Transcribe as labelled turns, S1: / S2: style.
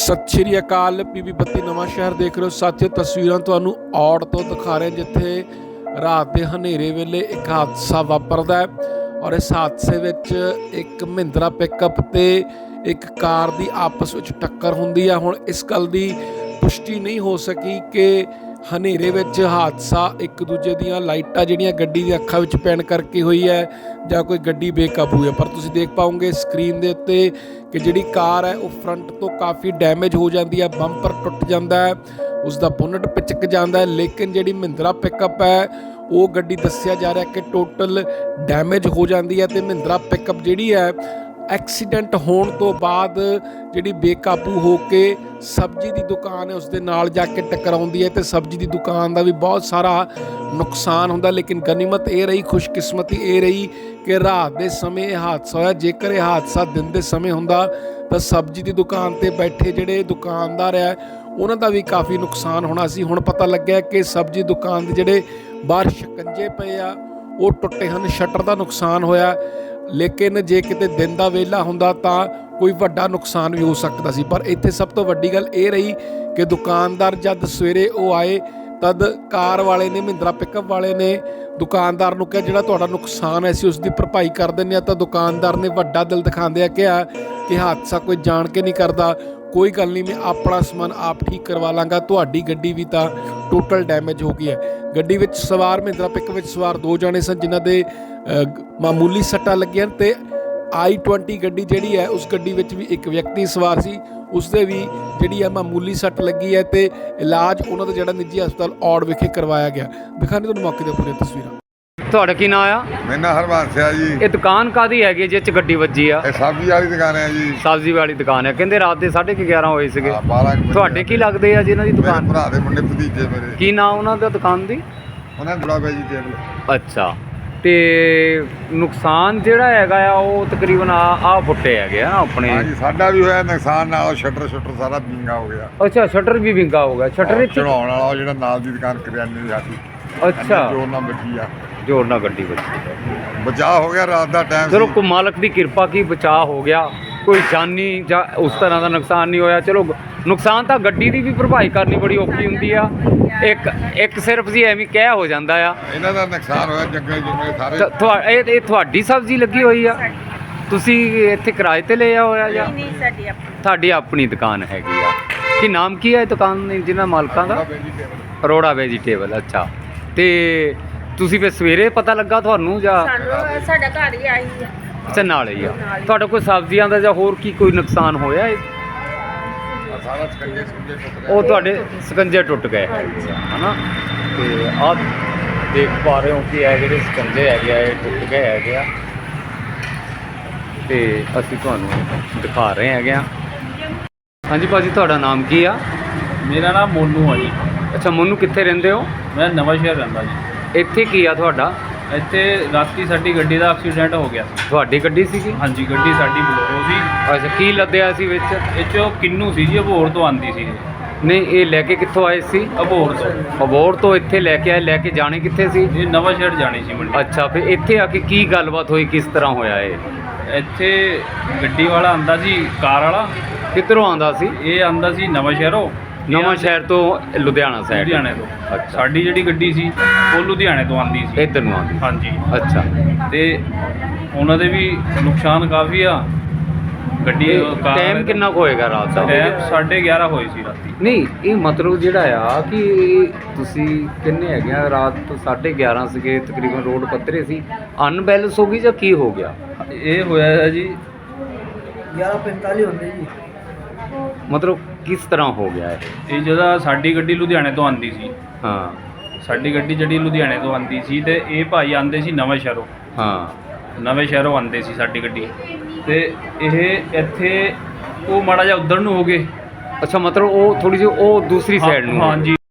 S1: सत श्री अकाल। पीबी 32 नवां शहर देख रहे हो साथियों। तस्वीरां तुहानूं औड़ तो दिखा रहे जिथे रात के हनेरे वेले एक हादसा वापरदा है और इस हादसे विच एक महिंद्रा पिकअप ते एक कार की आपस में टक्कर हुंदी है। हुण इस गल की पुष्टि नहीं हो सकी कि हनेरे विच हादसा एक दूजे दियां लाइटां जिहड़ियां गड्डी दी अखां विच पैण करके हुई है जां कोई गड्डी बेकाबू है। पर तुसीं देख पाओगे स्क्रीन दे उत्ते कि जिहड़ी कार है वो फ्रंट तो काफ़ी डैमेज हो जाती है, बंपर टुट जाता है, उसका बोनट पिचक जाता है। लेकिन जिहड़ी महिंद्रा पिकअप है वो गड्डी दस्सिया जा रहा है कि टोटल डैमेज हो जाती है। तो महिंद्रा पिकअप जिहड़ी है एक्सीडेंट होने तो बाद जिहड़ी बेकाबू हो के सब्जी की दुकान है उसके नाल जाके टकराउंदी है तो सब्जी की दुकान का भी बहुत सारा नुकसान होंदा। लेकिन गनीमत ये रही, खुशकिस्मती ये रही कि रात के समय हादसा होया। जेकर यह हादसा दिन के समय होंदा तो सब्जी की दुकान ते बैठे जिहड़े दुकानदार है उन्हां दा भी काफ़ी नुकसान होना सी। हुण पता लग्या कि सब्जी दुकान के जिहड़े बाहर शिकंजे पे आ वो टुटे हैं, शटर का नुकसान होया। लेकिन जे किते दिन का वेला हुंदा तां कोई वड्डा नुकसान भी हो सकता सी। पर इत्थे सब तो वड्डी गल ये रही कि दुकानदार जद सवेरे वो आए तद कार वाले ने, महिंद्रा पिकअप वाले ने दुकानदार नूं कहा जिहड़ा तुहाडा नुकसान है असीं उसकी भरपाई कर दिंदे आ। तां दुकानदार ने वड्डा दिल दिखांदे कहा कि हादसा कोई जान के नहीं करता, कोई गल नहीं, मैं अपना समान आप ठीक करवा लाँगा, तुहाडी गड्डी भी तां टोटल डैमेज हो गई है। गड्डी विच सवार महिंद्रा पिकअप विच सवार 2 जने सन जिन्हां दे मामूली सट्टां लगियां ते i20 गड्डी जिहड़ी है उस गड्डी विच भी एक व्यक्ति सवार सी, उसदे भी जिहड़ी है मामूली सट्ट लगी है ते इलाज उन्हां दा जिहड़ा निजी हस्पताल औड़ विखे करवाया गया। दिखाने तुहानूं मौके ते पूरी तस्वीरां।
S2: ਤੁਹਾਡਾ ਕੀ ਨਾਂ ਆ?
S3: ਮੇਰਾ ਨਾਂ ਹਰਬੰਸ ਆ ਜੀ।
S2: ਇਹ ਦੁਕਾਨ ਕਾਦੀ ਹੈਗੀ ਜਿਹ ਚ ਗੱਡੀ ਵੱਜੀ ਆ?
S3: ਇਹ ਸਬਜ਼ੀ ਵਾਲੀ ਦੁਕਾਨ ਹੈ ਜੀ।
S2: ਸਬਜ਼ੀ ਵਾਲੀ ਦੁਕਾਨ ਹੈ। ਕਹਿੰਦੇ ਰਾਤ ਦੇ 11:30 ਹੋਏ ਸੀਗੇ।
S3: 12
S2: ਤੁਹਾਡੇ ਕੀ ਲੱਗਦੇ ਆ ਜਿਹਨਾਂ ਦੀ ਦੁਕਾਨ?
S3: ਮੇਰੇ ਭਰਾ ਦੇ ਮੁੰਡੇ ਭਤੀਜੇ ਮੇਰੇ।
S2: ਕੀ ਨਾਂ ਉਹਨਾਂ ਦਾ ਦੁਕਾਨ ਦੀ?
S3: ਉਹਨਾਂ ਬੜਾ ਵੈਜੀਟੇਬਲ।
S2: ਅੱਛਾ, ਤੇ ਨੁਕਸਾਨ ਜਿਹੜਾ ਹੈਗਾ ਆ ਉਹ ਤਕਰੀਬਨ ਆ ਫੁੱਟੇ ਹੈਗੇ ਆ ਆਪਣੇ।
S3: ਹਾਂਜੀ ਸਾਡਾ ਵੀ ਹੋਇਆ ਨੁਕਸਾਨ, ਨਾਲ ਸ਼ਟਰ ਸਾਰਾ ਵਿੰਗਾ ਹੋ ਗਿਆ।
S2: ਅੱਛਾ, ਸ਼ਟਰ ਵੀ ਵਿੰਗਾ ਹੋ ਗਿਆ। ਸ਼ਟਰ
S3: ਚੜਾਉਣ ਵਾਲਾ ਉਹ ਜਿਹੜਾ ਨਾਲ ਦੀ ਦੁਕਾਨ ਕਰਿਆਨੇ ਦੀ ਸਾਡੀ।
S2: ਅੱਛਾ,
S3: ਜੋਰ ਨਾਲ ਵੱਜੀ ਆ,
S2: ਜੋਰ ਨਾਲ ਗੱਡੀ ਵੱਜੀ।
S3: ਬਚਾਅ ਹੋ ਗਿਆ ਰਾਤ ਦਾ ਟਾਈਮ।
S2: ਚਲੋ ਕੋ ਮਾਲਕ ਦੀ ਕਿਰਪਾ ਕੀ ਬਚਾਅ ਹੋ ਗਿਆ, ਕੋਈ ਜਾਨੀ ਜਾਂ ਉਸ ਤਰ੍ਹਾਂ ਦਾ ਨੁਕਸਾਨ ਨਹੀਂ ਹੋਇਆ। ਚਲੋ ਨੁਕਸਾਨ ਤਾਂ ਗੱਡੀ ਦੀ ਵੀ ਭਰਪਾਈ ਕਰਨੀ ਬੜੀ ਔਖੀ ਹੁੰਦੀ ਆ। ਇੱਕ ਸਿਰਫ ਜੀ ਐਵੇਂ ਕਹਿ ਹੋ ਜਾਂਦਾ ਆ।
S3: ਇਹਨਾਂ ਦਾ ਨੁਕਸਾਨ ਹੋਇਆ ਜੰਗਲ ਸਾਰੇ।
S2: ਇਹ ਤੁਹਾਡੀ ਸਬਜ਼ੀ ਲੱਗੀ ਹੋਈ ਆ? ਤੁਸੀਂ ਇੱਥੇ ਕਿਰਾਏ ਤੇ ਲਿਆ ਹੋਇਆ ਜਾਂ?
S4: ਨਹੀਂ, ਸਾਡੀ ਆਪਣੀ।
S2: ਤੁਹਾਡੀ ਆਪਣੀ ਦੁਕਾਨ ਹੈਗੀ ਆ? ਕੀ ਨਾਮ ਕੀ ਹੈ ਇਹ ਦੁਕਾਨ ਜਿਹਨਾਂ ਮਾਲਕਾਂ ਦਾ? ਅਰੋੜਾ ਵੈਜੀਟੇਬਲ। ਅੱਛਾ, ਤੇ ਤੁਸੀਂ ਫਿਰ ਸਵੇਰੇ ਪਤਾ ਲੱਗਾ ਤੁਹਾਨੂੰ ਜਾਂ?
S4: ਸਾਨੂੰ ਸਾਡਾ ਘਰ ਹੀ ਆਈ ਹੈ।
S2: ਅੱਛਾ, ਨਾਲ ਹੀ ਆ। ਤੁਹਾਡਾ ਕੋਈ ਸਬਜ਼ੀਆਂ ਦਾ ਜਾਂ ਹੋਰ ਕੀ ਕੋਈ ਨੁਕਸਾਨ ਹੋਇਆ?
S3: ਸਾਰਾ ਸਕੰਜੇ ਸੁੰਜੇ ਟੁੱਟ ਗਏ।
S2: ਉਹ ਤੁਹਾਡੇ ਸਕੰਜੇ ਟੁੱਟ ਗਏ ਹਨਾ? ਤੇ ਆਹ ਦੇਖ ਪਾ ਰਹੇ ਹੋ ਕਿ ਇਹ ਜਿਹੜੇ ਸਕੰਜੇ ਹੈਗੇ ਆ ਇਹ ਟੁੱਟ ਗਏ ਹੈਗੇ ਆ ਤੇ ਅਸੀਂ ਤੁਹਾਨੂੰ ਦਿਖਾ ਰਹੇ ਹੈਗੇ ਆ। ਹਾਂਜੀ ਭਾਜੀ, ਤੁਹਾਡਾ ਨਾਮ ਕੀ ਆ?
S5: ਮੇਰਾ ਨਾਮ ਮੋਨੂ ਆ ਜੀ।
S2: ਅੱਛਾ, ਮੋਨੂ ਕਿੱਥੇ ਰਹਿੰਦੇ ਹੋ?
S5: ਮੈਂ ਨਵਾਂ ਸ਼ਹਿਰ ਰਹਿੰਦਾ ਜੀ।
S2: ਇੱਥੇ ਕੀ ਆ ਤੁਹਾਡਾ?
S5: ਇੱਥੇ ਰਾਤੀ ਸਾਡੀ ਗੱਡੀ ਦਾ ਐਕਸੀਡੈਂਟ ਹੋ ਗਿਆ ਸੀ।
S2: ਤੁਹਾਡੀ ਗੱਡੀ ਸੀਗੀ?
S5: ਹਾਂਜੀ, ਗੱਡੀ ਸਾਡੀ ਬਲੋਰੋ ਸੀ।
S2: ਅੱਛਾ, ਕੀ ਲੱਦਿਆ ਸੀ ਵਿੱਚ?
S5: ਇਹ 'ਚੋਂ ਕਿੰਨੂ ਸੀ ਜੀ, ਅਬੋਹਰ ਤੋਂ ਆਂਦੀ ਸੀ।
S2: ਨਹੀਂ, ਇਹ ਲੈ ਕੇ ਕਿੱਥੋਂ ਆਏ ਸੀ?
S5: ਅਬੋਹਰ ਤੋਂ।
S2: ਅਬੋਹਰ ਤੋਂ ਇੱਥੇ ਲੈ ਕੇ ਆਏ, ਲੈ ਕੇ ਜਾਣੇ ਕਿੱਥੇ ਸੀ?
S5: ਇਹ ਨਵਾਂ ਸ਼ਹਿਰ ਜਾਣੀ ਸੀ ਮੰਡੀ।
S2: ਅੱਛਾ, ਫਿਰ ਇੱਥੇ ਆ ਕੇ ਕੀ ਗੱਲਬਾਤ ਹੋਈ, ਕਿਸ ਤਰ੍ਹਾਂ ਹੋਇਆ ਇਹ?
S5: ਇੱਥੇ ਗੱਡੀ ਵਾਲਾ ਆਂਦਾ ਸੀ, ਕਾਰ ਵਾਲਾ।
S2: ਕਿੱਧਰੋਂ ਆਂਦਾ ਸੀ?
S5: ਇਹ ਆਂਦਾ ਸੀ ਨਵਾਂ ਸ਼ਹਿਰੋਂ।
S2: ਨਵਾਂ ਸ਼ਹਿਰ ਤੋਂ ਲੁਧਿਆਣਾ ਸਾਈਡ?
S5: ਲੁਧਿਆਣੇ ਤੋਂ।
S2: ਅੱਛਾ,
S5: ਸਾਡੀ ਜਿਹੜੀ ਗੱਡੀ ਸੀ ਉਹ ਲੁਧਿਆਣੇ ਤੋਂ ਆਂਦੀ ਸੀ।
S2: ਇੱਧਰ ਨੂੰ ਆਂਦੀ?
S5: ਹਾਂਜੀ।
S2: ਅੱਛਾ,
S5: ਤੇ ਉਹਨਾਂ ਦੇ ਵੀ ਨੁਕਸਾਨ ਕਾਫੀ ਆ। ਗੱਡੀ ਕਾਰ
S2: ਟਾਈਮ ਕਿੰਨਾ ਕੁ ਹੋਏਗਾ ਰਾਤ ਦਾ?
S5: ਟਾਈਮ 11:30 ਹੋਈ ਸੀ ਰਾਤੀ।
S2: ਨਹੀਂ, ਇਹ ਮਤਲਬ ਜਿਹੜਾ ਆ ਕਿ ਤੁਸੀਂ ਕਿੰਨੇ ਹੈਗੇ ਆ? ਰਾਤ ਤੋਂ 11:30 ਸੀਗੇ ਤਕਰੀਬਨ, ਰੋਡ ਪੱਧਰੇ ਸੀ, ਅਨਬੈਲੈਂਸ ਹੋ ਗਈ ਜਾਂ ਕੀ ਹੋ ਗਿਆ?
S5: ਇਹ ਹੋਇਆ ਹੈ ਜੀ
S6: 11:45 ਹੁੰਦੇ ਜੀ।
S2: ਮਤਲਬ ਕਿਸ ਤਰ੍ਹਾਂ ਹੋ ਗਿਆ
S5: ਇਹ ਜਦੋਂ ਸਾਡੀ ਗੱਡੀ ਲੁਧਿਆਣੇ ਤੋਂ ਆਂਦੀ ਸੀ।
S2: ਹਾਂ,
S5: ਸਾਡੀ ਗੱਡੀ ਜਿਹੜੀ ਲੁਧਿਆਣੇ ਤੋਂ ਆਂਦੀ ਸੀ ਤੇ ਇਹ ਭਾਈ ਆਂਦੇ ਸੀ ਨਵੇਂ ਸ਼ਹਿਰੋਂ।
S2: ਹਾਂ,
S5: ਨਵੇਂ ਸ਼ਹਿਰੋਂ ਆਂਦੇ ਸੀ ਸਾਡੀ ਗੱਡੀ ਤੇ ਇਹ ਇੱਥੇ ਉਹ ਮਾੜਾ ਜਿਹਾ ਉੱਧਰ ਨੂੰ ਹੋ ਗਏ।
S2: ਅੱਛਾ, ਮਤਲਬ ਉਹ ਥੋੜੀ ਜਿਹੀ ਉਹ ਦੂਸਰੀ ਸਾਈਡ ਨੂੰ?
S5: ਹਾਂਜੀ।